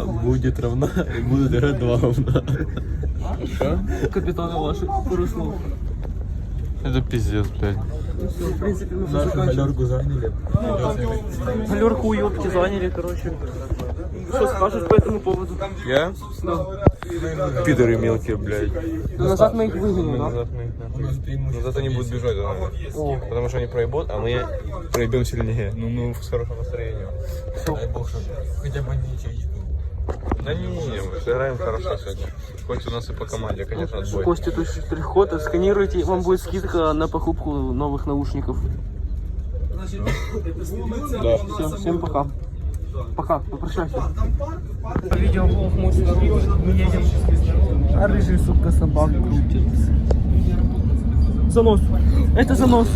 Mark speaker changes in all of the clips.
Speaker 1: будет равна и будет играть 2 говна. Что?
Speaker 2: Капитаны ваши, пару слов.
Speaker 1: Это пиздец, блядь.
Speaker 2: Все, в принципе, мы
Speaker 1: Нашу галерку заняли.
Speaker 2: галерку уёбки заняли, короче. Что скажешь по этому поводу?
Speaker 1: Я?
Speaker 2: Да.
Speaker 1: Пидоры мелкие, блядь.
Speaker 2: Назад мы их выгоним, да?
Speaker 1: Назад мы их, да. Назад они будут бежать, наверное. Потому что они проебут, а мы проебем сильнее. Ну, мы с хорошим настроением. Дай бог, что хотя бы не ячейку. Да не, мы сыграем хорошо сегодня. Хоть у нас и по команде, конечно, отбой.
Speaker 2: Костя, то есть штрих-код, сканируйте, вам будет скидка на покупку новых наушников.
Speaker 1: Да.
Speaker 2: Все, всем пока. Пока, попрощайся. Видеоблог мой счастливый, мы едем. А рыжий, сука, собак крутит. Занос. Это занос.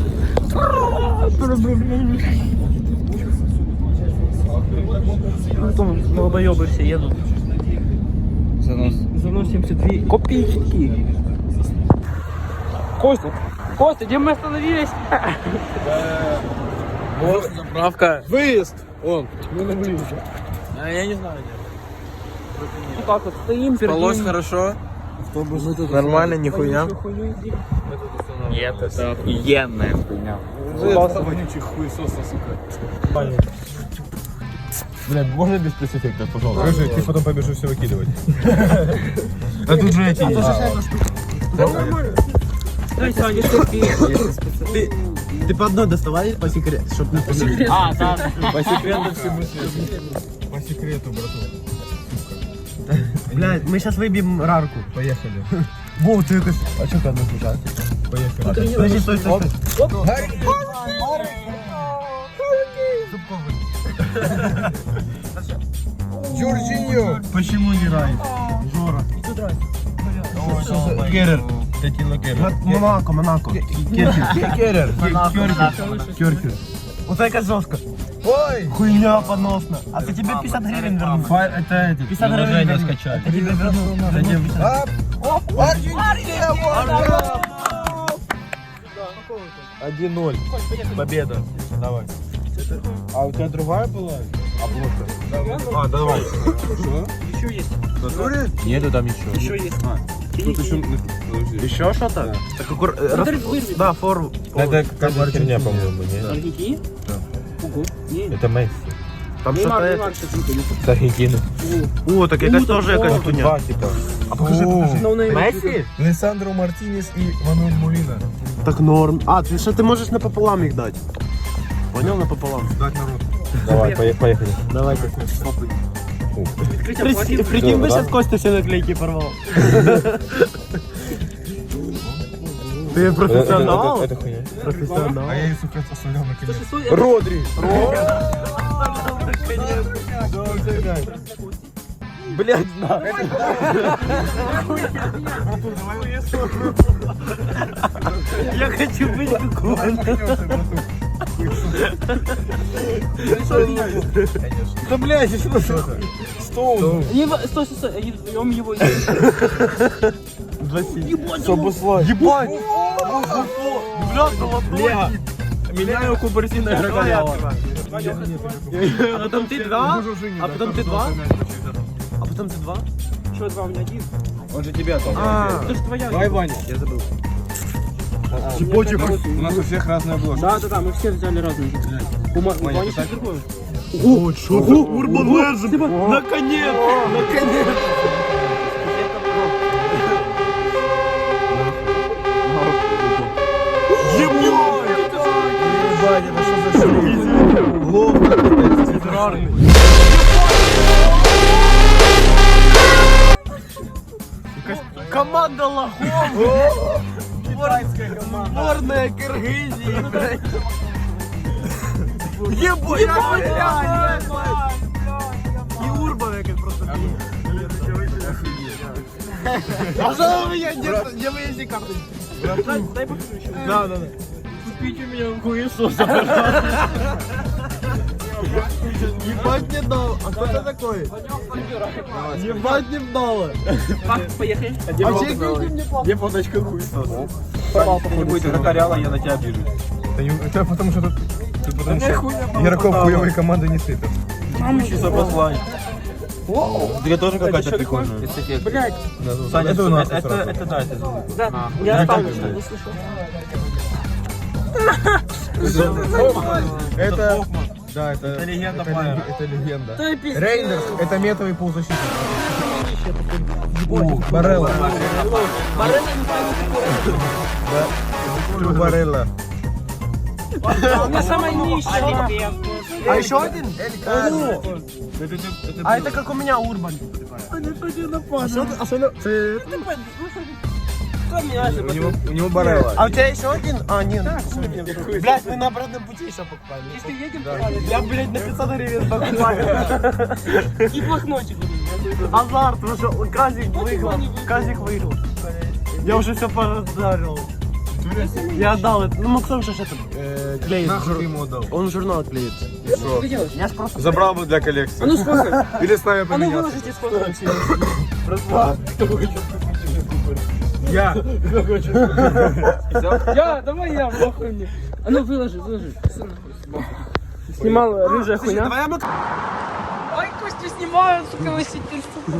Speaker 2: Потом долбоёбы все едут. Занос 72 копеечки. Костя, Костя, где мы остановились?
Speaker 1: Вот заправка.
Speaker 3: Выезд! Он, мы на выезде.
Speaker 1: А я не знаю, где.
Speaker 2: Вот так вот стоим,
Speaker 1: Спалось
Speaker 2: пердим.
Speaker 1: хорошо? Нормально, нихуя? Нет, это охуенная хуйня.
Speaker 3: Вонючий хуесоса, сука.
Speaker 1: Блядь, можно без спецэффектов, пожалуйста?
Speaker 3: Скажи, ты потом побежишь все выкидывать.
Speaker 1: А тут же эти есть.
Speaker 2: Дай, Саня,
Speaker 4: Ты по одной доставай по секрету, чтобы не по секрету.
Speaker 2: А, так.
Speaker 1: По секрету все
Speaker 3: По секрету, братан.
Speaker 4: Блядь, мы сейчас выбьем рарку.
Speaker 3: Поехали.
Speaker 4: Во, ты как... А что там нужно?
Speaker 3: Поехали.
Speaker 4: Подожди, стой, стой, стой.
Speaker 3: Джорджиньо!
Speaker 4: Почему не рай? Жора.
Speaker 3: Керер. Тетила Керер.
Speaker 4: Монако, Монако. Керкер.
Speaker 3: Керер.
Speaker 4: Керкер. Вот это жестко.
Speaker 3: Ой!
Speaker 4: Хуйня поносна. А ты тебе 50 гривен верну.
Speaker 3: Это эти.
Speaker 4: 50 гривен верну.
Speaker 1: скачать.
Speaker 4: Я тебе верну.
Speaker 3: Аргентина!
Speaker 1: 1-0. Победа. Давай.
Speaker 3: А у тебя другая была?
Speaker 1: Обложка.
Speaker 3: А, давай.
Speaker 2: Еще есть.
Speaker 1: Нету там еще.
Speaker 2: Еще есть.
Speaker 3: Тут еще... Подожди.
Speaker 4: Еще что-то? Да, фор.
Speaker 1: Это какая-то херня, по-моему, нет?
Speaker 2: Аргентина?
Speaker 1: Да.
Speaker 2: Ого. Не.
Speaker 1: Это Месси.
Speaker 4: Там
Speaker 2: Неймар,
Speaker 4: что-то это.
Speaker 2: Неймар сейчас выходит.
Speaker 1: С Аргентины.
Speaker 4: О, так якась теж якась хуйня.
Speaker 1: Два, типа.
Speaker 3: А покажи, покажи.
Speaker 2: No name.
Speaker 4: Месси?
Speaker 3: Лесандро Мартинес и Мануэль Молина.
Speaker 4: Так норм. А, ты что, ты можешь напополам их дать? Понял, напополам?
Speaker 3: Дать народ.
Speaker 1: Давай, поехали.
Speaker 4: Давайте.
Speaker 2: Открытие платит.
Speaker 4: Прикинь, бы
Speaker 1: Да?
Speaker 4: сейчас Костя все наклейки порвал. Ты профессионал?
Speaker 1: Это хуйня.
Speaker 4: Профессионал.
Speaker 3: А я ее, сука, оставлял на конец.
Speaker 1: Родри.
Speaker 4: Блядь, на. Я хочу быть как он.
Speaker 3: Да, блядь, что Стоун.
Speaker 2: Стой, стой, они вдвоем его
Speaker 4: Ебать. Ебать. Бля, меняю кубертина Грагалява. А потом ты два? А потом ты два? А потом ты два?
Speaker 2: Что, два, у меня один?
Speaker 3: Он же тебя там.
Speaker 2: Это же твоя.
Speaker 3: Давай, Ваня.
Speaker 4: Я забыл.
Speaker 3: У нас у всех разная обложка.
Speaker 2: Да, мы все взяли разные. Ваня сейчас другой.
Speaker 4: О, что? Урбан Лэдженд! Наконец! Наконец! Ебать, это что за шрифт? Ловко, цветрарный. Команда лохов!
Speaker 3: Китайская команда.
Speaker 4: Сборная Кыргызии, блядь! Ебать! И Урбан, как просто. Пожалуй, меня где вы есть карты?
Speaker 2: Дай покажу еще.
Speaker 4: Да.
Speaker 2: Купите меня в хуесоса, пожалуйста.
Speaker 4: Ебать не дал. А кто это такой? Ебать не дало.
Speaker 2: Поехали.
Speaker 4: А чей мне плохо?
Speaker 1: Где фоточка хуесос?
Speaker 3: Не будет вратаряла, я на тебя обижусь. Это потому что тут потому что игроков хуевой команды не сыпят.
Speaker 1: Учись обозвать.
Speaker 3: Тебе тоже какая-то прикольная.
Speaker 2: Блядь.
Speaker 3: Саня, это у нас. Это да, это
Speaker 2: Да, я оставлю, что не слышал.
Speaker 3: Это... Да, это
Speaker 4: легенда
Speaker 3: это
Speaker 4: Файера.
Speaker 3: Это легенда.
Speaker 2: Да и пиздец.
Speaker 3: Рейндерс, это метовый полузащитник. Барелла. Барелла.
Speaker 2: У меня самая нищая.
Speaker 4: А еще один? А это как у меня Урбан.
Speaker 3: У него Барелла.
Speaker 4: А у тебя еще один? А, нет. Блядь, мы на обратном пути еще покупали.
Speaker 2: Если едем,
Speaker 4: Я, блядь, на 500 гривен покупаю.
Speaker 2: и блокнотик.
Speaker 4: Азарт, потому что Казик выиграл. Казик выиграл. Я уже все подарил. Я отдал это. Ну, Максим же это клеит.
Speaker 3: Нахуй ты ему отдал?
Speaker 4: Он журнал клеит.
Speaker 1: Что?
Speaker 4: Я ж просто...
Speaker 1: Забрал бы для коллекции.
Speaker 2: А ну сколько?
Speaker 1: Или с нами
Speaker 2: А ну
Speaker 1: поменялся.
Speaker 2: выложите сколько.
Speaker 3: Я.
Speaker 2: Я, давай я, нахуй мне. А ну выложи. Снимал рыжая хуйня.
Speaker 4: Давай я
Speaker 2: Ой, Костю снимаю, сука, носитель, сука.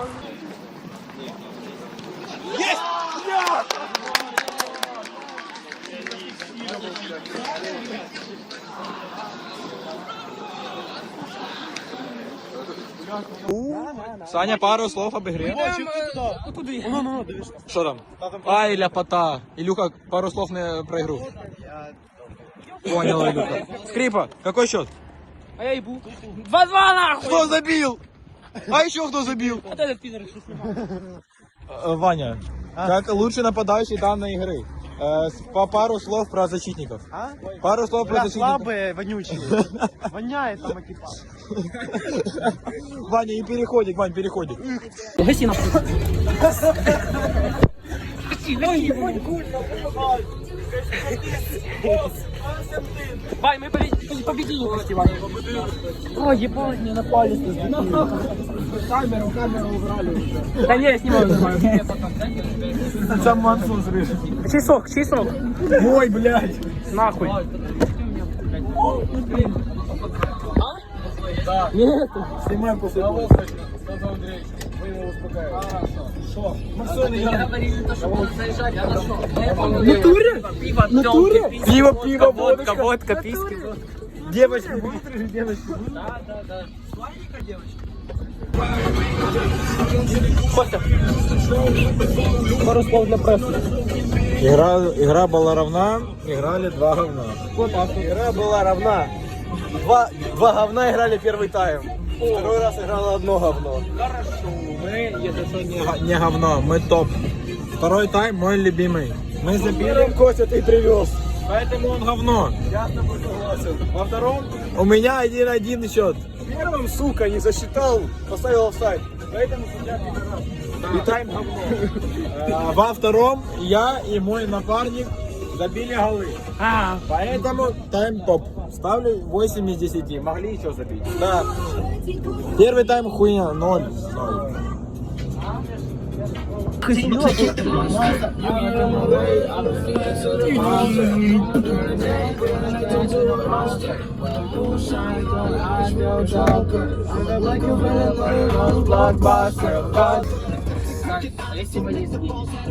Speaker 3: Саня, пару слов об игре.
Speaker 2: Куди?
Speaker 3: Что там? А, ляпота. Илюха, пару слов про игру. Понял, Илюха. Скрипа, какой счет?
Speaker 2: А я ебу. 2-2 нахуй!
Speaker 3: Кто забил? А еще кто забил?
Speaker 2: Вот этот пидор, что снимал.
Speaker 3: Ваня, как лучший нападающий данной игры. По пару слов про защитников. Пару слов про защитников.
Speaker 4: слабые, вонючие. Воняет там экипаж.
Speaker 3: Ваня, и переходит, Вань, переходит.
Speaker 2: Гаси нахуй. Вай, мы победили почти, Ваня. Ой, ебать, мне напали. Камеру убрали. Да не, я снимаю.
Speaker 3: Сам Мансу зрышь.
Speaker 2: Чей сок?
Speaker 3: Мой, блядь.
Speaker 2: Нахуй. Нет.
Speaker 3: Снимай после того.
Speaker 2: Натуре?
Speaker 3: Пиво,
Speaker 2: Водка, писки.
Speaker 3: Девочки, вытри девочки.
Speaker 2: Да. Пару слов для прессы.
Speaker 3: Игра была равна, играли два говна.
Speaker 2: Вот так.
Speaker 4: Игра была равна. Два говна играли первый тайм. Второй раз играло одно говно.
Speaker 2: Хорошо. Мы, если что,
Speaker 3: Не говно, мы топ. Второй тайм мой любимый. Мы забили,
Speaker 4: Костя, ты привез.
Speaker 3: поэтому он говно.
Speaker 4: Я с тобой согласен. Во втором,
Speaker 3: У меня 1-1 счет.
Speaker 4: первым, сука, не засчитал, поставил офсайд. Поэтому судья пидорас. И тайм говно.
Speaker 3: Во втором я и мой напарник забили голы. Поэтому тайм топ. Ставлю 8 из 10. Могли еще забить.
Speaker 4: Да.
Speaker 3: Первый тайм хуйня, 0.